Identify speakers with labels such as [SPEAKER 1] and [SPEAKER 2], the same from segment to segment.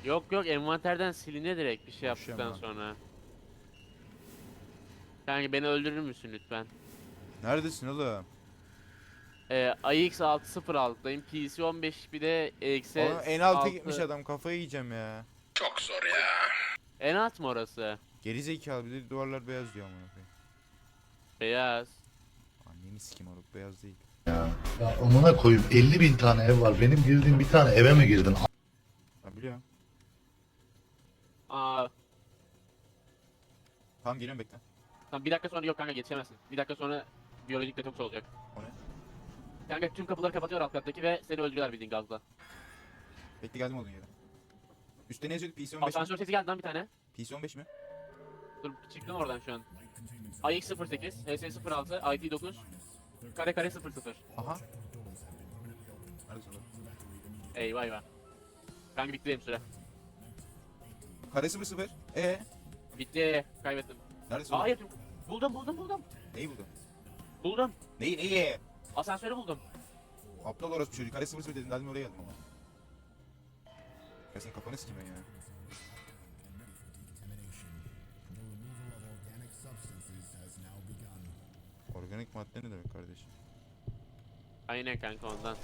[SPEAKER 1] Yok yok, envanterden siliniyor direkt bir şey
[SPEAKER 2] Boş
[SPEAKER 1] yaptıktan
[SPEAKER 2] ama.
[SPEAKER 1] sonra. Kanka beni öldürür müsün lütfen?
[SPEAKER 2] Neredesin oğlum?
[SPEAKER 1] AX606'dayım. PC 15 bir de
[SPEAKER 2] Oğlum
[SPEAKER 1] eksi
[SPEAKER 2] en alta gitmiş
[SPEAKER 1] 6.
[SPEAKER 2] adam, kafayı yiyeceğim ya.
[SPEAKER 1] En alt mı orası?
[SPEAKER 2] Geri zekalı, bir de duvarlar beyaz diyor amına koyayım.
[SPEAKER 1] Beyaz.
[SPEAKER 2] Anneni sikim oruk, beyaz değil.
[SPEAKER 3] Ya amına koyup 50.000 tane ev var. Benim girdiğim bir tane eve mi girdin?
[SPEAKER 2] Ha biliyorum.
[SPEAKER 1] Aa,
[SPEAKER 2] Tamam geliyorum, bekle.
[SPEAKER 1] tamam bir dakika sonra yok kanka geçemezsin. Bir dakika sonra biyolojik detoks olacak.
[SPEAKER 2] O ne?
[SPEAKER 1] Kanka tüm kapıları kapatıyor alt kattaki ve seni öldürüyorlar bildiğin gazla.
[SPEAKER 2] Bekle, geldim olduğun yere. Üstte ne yazıyordu? PC 15 mi?
[SPEAKER 1] Asansör sesi geldi lan bir tane.
[SPEAKER 2] PC 15 mi?
[SPEAKER 1] Dur çıktım oradan şu an. AX08, HS06, IT9, kare 00.
[SPEAKER 2] Aha. Neredesin oğlum?
[SPEAKER 1] Eyvah eyvah. Kanka bitti benim süre.
[SPEAKER 2] Kare 00.
[SPEAKER 1] Bitti. Kaybettim.
[SPEAKER 2] Neredesin oğlum?
[SPEAKER 1] Hayır. Buldum.
[SPEAKER 2] Neyi buldun?
[SPEAKER 1] Buldum.
[SPEAKER 2] Neyi?
[SPEAKER 1] Asansörü buldum.
[SPEAKER 2] Aptal orası çocuk. Kare 00 dedin, dedim oraya geldim ama. Ya senin kafanı sikeyim ben ya. Organik madde ne demek kardeşim?
[SPEAKER 1] Aynen kanka ondan.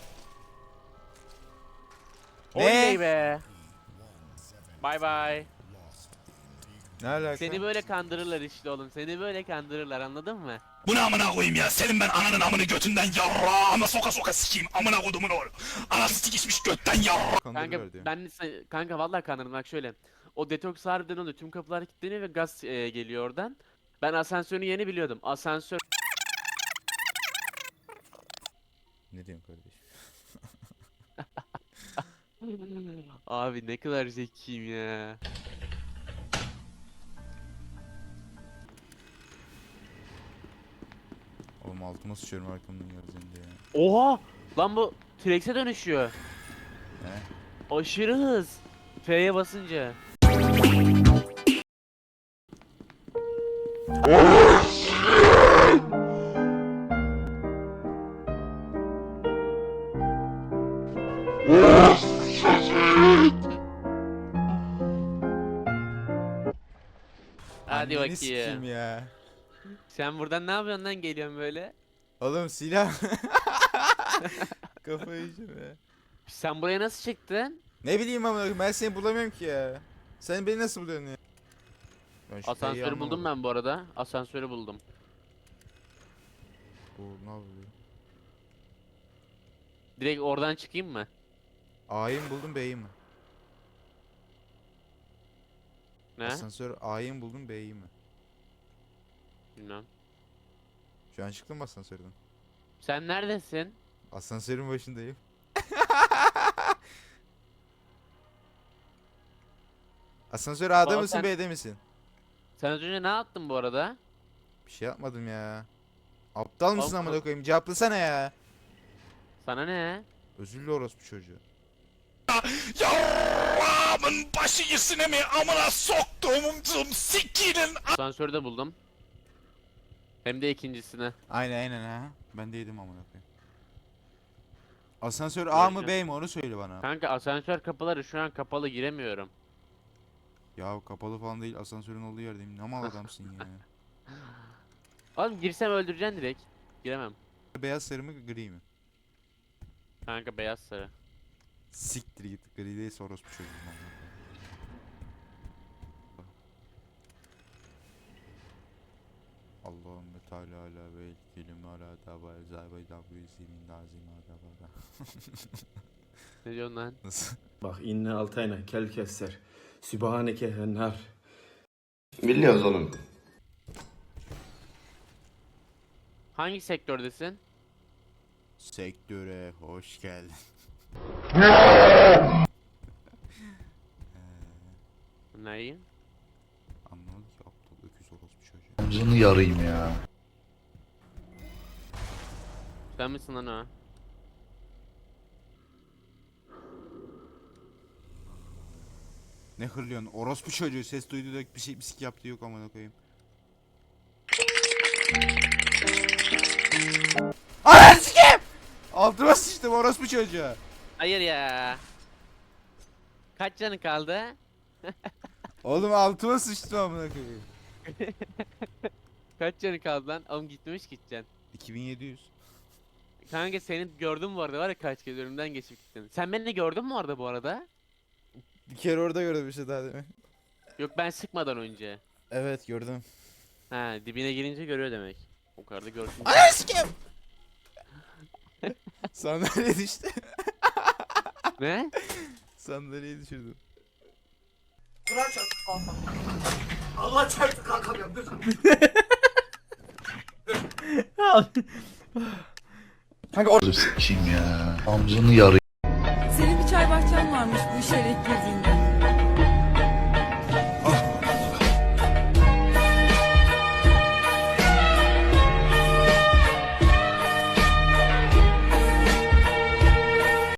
[SPEAKER 2] Ne?
[SPEAKER 1] Oley be. Bye bye.
[SPEAKER 2] Ne alaka?
[SPEAKER 1] Seni böyle kandırırlar işte oğlum. Seni böyle kandırırlar, anladın mı?
[SPEAKER 4] Bu ne amına koyayım ya? Senin ben ananın amını götünden yarrağıma soka soka sikeyim. Amına kodumun oğlu. Anası sikişmiş götten yarrağ.
[SPEAKER 1] Kanka
[SPEAKER 2] Kandırırlar diyor.
[SPEAKER 1] kanka vallahi kandırdım bak şöyle. O detoks harbiden oluyor. Tüm kapılar kilitleniyor ve gaz geliyor oradan. Ben asansörün yeni biliyordum. Asansör
[SPEAKER 2] Ne diyorsun kardeşim?
[SPEAKER 1] abi ne kadar zekiyim ya.
[SPEAKER 2] Oğlum altıma sıçıyorum arkamdan geldiğinde ya.
[SPEAKER 1] Oha! Lan bu T-Rex'e dönüşüyor.
[SPEAKER 2] Ne?
[SPEAKER 1] Aşırı hız. F'ye basınca. Hadi
[SPEAKER 2] Anneni sikeyim
[SPEAKER 1] bakayım.
[SPEAKER 2] ya.
[SPEAKER 1] Sen buradan ne yapıyorsun lan, geliyorsun böyle?
[SPEAKER 2] Oğlum silah. Kafayı yiyeceğim ya.
[SPEAKER 1] Sen buraya nasıl çıktın?
[SPEAKER 2] Ne bileyim ama ben seni bulamıyorum ki ya. Sen beni nasıl buluyorsun ya? Ben şu T'yi
[SPEAKER 1] Asansörü buldum
[SPEAKER 2] anlamadım.
[SPEAKER 1] ben bu arada. Asansörü buldum.
[SPEAKER 2] Bu ne yapıyor?
[SPEAKER 1] Direkt oradan çıkayım mı?
[SPEAKER 2] A'yı mı buldun B'yi mi?
[SPEAKER 1] Ne?
[SPEAKER 2] Asansör A'yı mı buldun B'yi mi?
[SPEAKER 1] Bilmem.
[SPEAKER 2] Şu an çıktın mı asansörden?
[SPEAKER 1] Sen neredesin?
[SPEAKER 2] Asansörün başındayım. Asansör A'da
[SPEAKER 1] Oğlum
[SPEAKER 2] mısın
[SPEAKER 1] sen-
[SPEAKER 2] B'de misin?
[SPEAKER 1] Sen az önce ne yaptın bu arada?
[SPEAKER 2] Bir şey yapmadım ya. Aptal mısın
[SPEAKER 1] Oğlum,
[SPEAKER 2] amına koyayım? Cevaplasana ya.
[SPEAKER 1] Sana ne?
[SPEAKER 2] Özürlü orospu çocuğu.
[SPEAKER 4] Yarrağımın başı yesine mi amına soktuğum sikinin.
[SPEAKER 1] Asansörü de buldum. Hem de ikincisini.
[SPEAKER 2] Aynen ha. Ben de yedim amına koyayım. Asansör A mı
[SPEAKER 1] Göreceğim.
[SPEAKER 2] B mi onu söyle bana.
[SPEAKER 1] Kanka asansör kapıları şu an kapalı, giremiyorum.
[SPEAKER 2] Ya kapalı falan değil, asansörün olduğu yerdeyim. Ne mal adamsın ya.
[SPEAKER 1] Oğlum girsem öldüreceksin direkt. Giremem.
[SPEAKER 2] Beyaz sarı mı gri mi?
[SPEAKER 1] Kanka beyaz sarı.
[SPEAKER 2] Siktir git, gri değilse orospu çocuğum amına koyayım. Allahümme Teala ala ve kelime ala tabay zaybay dabu yüzimin lazim adabada.
[SPEAKER 1] Ne diyorsun lan?
[SPEAKER 2] Nasıl?
[SPEAKER 5] Bak inne altayna kel kesser. Sübhaneke hennar.
[SPEAKER 3] Biliyoruz oğlum.
[SPEAKER 1] Hangi sektördesin?
[SPEAKER 2] Sektöre hoş geldin.
[SPEAKER 1] Neyi?
[SPEAKER 2] Anlamadım ki aptal öküz orospu çocuğu.
[SPEAKER 3] Omzunu yarayım ya.
[SPEAKER 1] Sen misin lan o?
[SPEAKER 2] Ne hırlıyorsun? Orospu çocuğu ses duydu da bir şey bisik yaptı yok amına koyayım. Ananı sikeyim! Altıma sıçtım orospu çocuğu.
[SPEAKER 1] Hayır ya. Kaç canın kaldı?
[SPEAKER 2] Oğlum altıma sıçtım amına koyayım.
[SPEAKER 1] Kaç canın kaldı lan? Oğlum gitmemiş gideceksin.
[SPEAKER 2] 2700.
[SPEAKER 1] Kanka seni gördüm bu arada var ya kaç kez önümden geçip gittin. Sen beni gördün mü orada bu arada?
[SPEAKER 2] Bir kere orada gördüm işte daha demin.
[SPEAKER 1] Yok ben sıkmadan önce.
[SPEAKER 2] Evet gördüm.
[SPEAKER 1] Ha dibine girince görüyor demek. O kadar da görsün.
[SPEAKER 2] Ananı sikeyim. Sandalye düştü.
[SPEAKER 1] Ne?
[SPEAKER 2] Sandalyeyi düşürdüm.
[SPEAKER 3] Sikeyim ya. Amcını yarı.
[SPEAKER 6] Senin bir çay bahçen varmış bu işe renk girdiğinde.